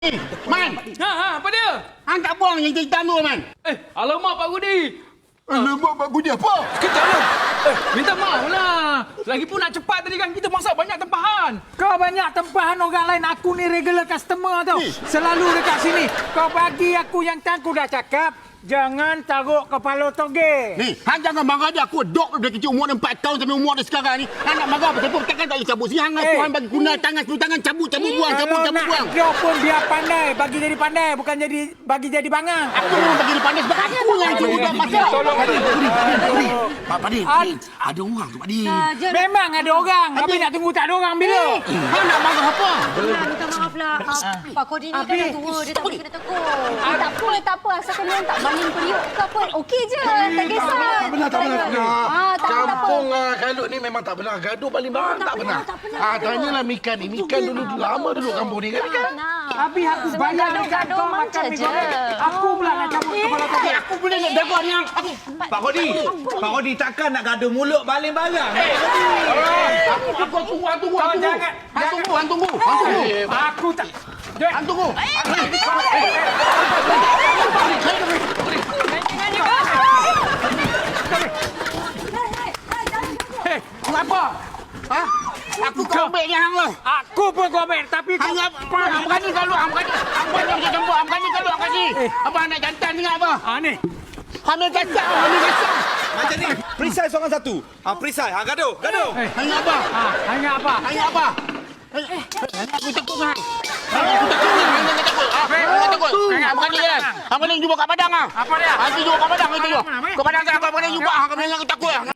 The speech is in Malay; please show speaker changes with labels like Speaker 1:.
Speaker 1: Man,
Speaker 2: apa dia?
Speaker 1: hang tak buang yang hitam tu, Man.
Speaker 2: Alamak Pak Rudi.
Speaker 1: Alamak, Pak Budi apa?
Speaker 2: Sekejap lah. Minta maaf lah. Lagipun nak cepat tadi kan kita masak banyak tempahan.
Speaker 3: Kau banyak tempahan orang lain. Aku ni regular customer tau. Selalu dekat sini. Kau bagi aku yang aku dah cakap. Jangan taruh kepala toge.
Speaker 1: Ni, hang jangan marah dia. Aku dok dari kecil umur dia 4 tahun sampai umur dia sekarang ni. Hang nak marah betul pun takkan tak boleh cabut. Hang aku hang bagi guna tangan cabut buang, cabut buang.
Speaker 3: Dia pun biar pandai. Bagi jadi pandai. Bukan jadi bagi jadi bangang.
Speaker 1: Aku memang bagi dia pandai sebab aku yang cuba buat masak.
Speaker 4: Pak Padin, ada orang tu Pak Padin.
Speaker 3: Memang ada orang. Tapi nak tunggu tak ada orang bila.
Speaker 1: Hang nak marah apa?
Speaker 5: Minta maaf lah. Pak Kodin ni kan dah tua. Dia tak boleh kena tegur. Tak apa. Asalkan dia tak baling periuk ke apa. Okey je. Tak kisah.
Speaker 4: Tak benar.
Speaker 5: Tak apa.
Speaker 4: Kampung Kalut ni memang tak pernah gaduh baling barang, tak pernah. Tanyalah Mika ni. Mika dulu lama dulu kampung ni kan Mika?
Speaker 3: Habis aku bayar dekat kau makan mi goreng. Aku pula nak cabut kepala toge.
Speaker 1: Aku boleh nak jaga ni hang.
Speaker 6: Pak Rodi takkan nak gaduh mulut baling barang.
Speaker 1: Aku tunggu. Hang tunggu.
Speaker 3: Aku tak.
Speaker 1: Hang tunggu.
Speaker 3: Kenapa?
Speaker 1: Ha? Aku kau ambil ni hang lah.
Speaker 3: Aku pun kau ambil. Tapi kau...
Speaker 1: Hang berani kalau hang berani macam campur. Hang berani kalau hang kasi. Abang nak jantan ni apa?
Speaker 3: Ni.
Speaker 1: Hamil kasar.
Speaker 6: Macam ni, perisai seorang satu. Perisai, gaduh.
Speaker 1: Hang apa?
Speaker 3: Hanya apa?
Speaker 1: Aku takut hang. Aku takut. Hang takut. Hang berani kan? Hang berani jumpa kat padang ah.
Speaker 3: Apa dia?
Speaker 1: Hang jumpa kat padang itu. Kat padang kan hang berani jumpa. Hang berani takut.